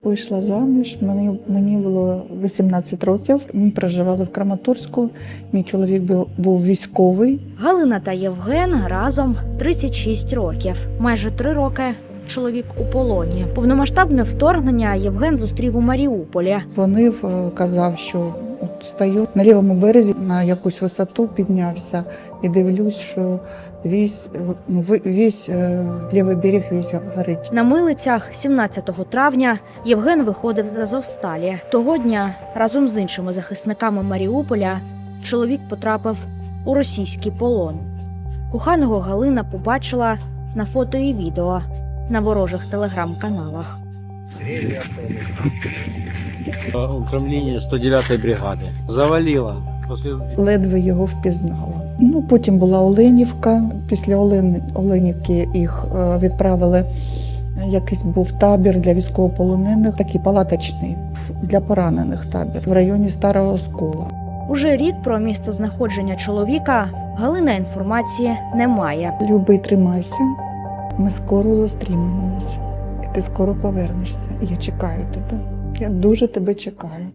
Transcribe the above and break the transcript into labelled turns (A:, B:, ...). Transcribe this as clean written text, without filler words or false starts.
A: вийшла заміж, мені було 18 років. Ми проживали в Краматорську. Мій чоловік був військовий.
B: Галина та Євген разом 36 років. Майже 3 роки чоловік у полоні. Повномасштабне вторгнення Євген зустрів у Маріуполі.
A: Дзвонив, казав, що от стою на лівому березі, на якусь висоту піднявся і дивлюсь, що весь лівий берег весь горить.
B: На милицях 17 травня Євген виходив з Азовсталі. Того дня разом з іншими захисниками Маріуполя чоловік потрапив у російський полон. Коханого Галина побачила на фото і відео на ворожих телеграм-каналах.
C: Управління 109-ї бригади. Завалило.
A: Ледве його впізнала. Потім була Оленівка. Після Оленівки їх відправили. Якийсь був табір для військовополонених, такий палаточний, для поранених табір в районі Старого Оскола.
B: Уже рік про місце знаходження чоловіка Галина інформації не має.
A: Любий, тримайся. Ми скоро зустрінемося. І ти скоро повернешся. Я чекаю тебе. Я дуже тебе чекаю.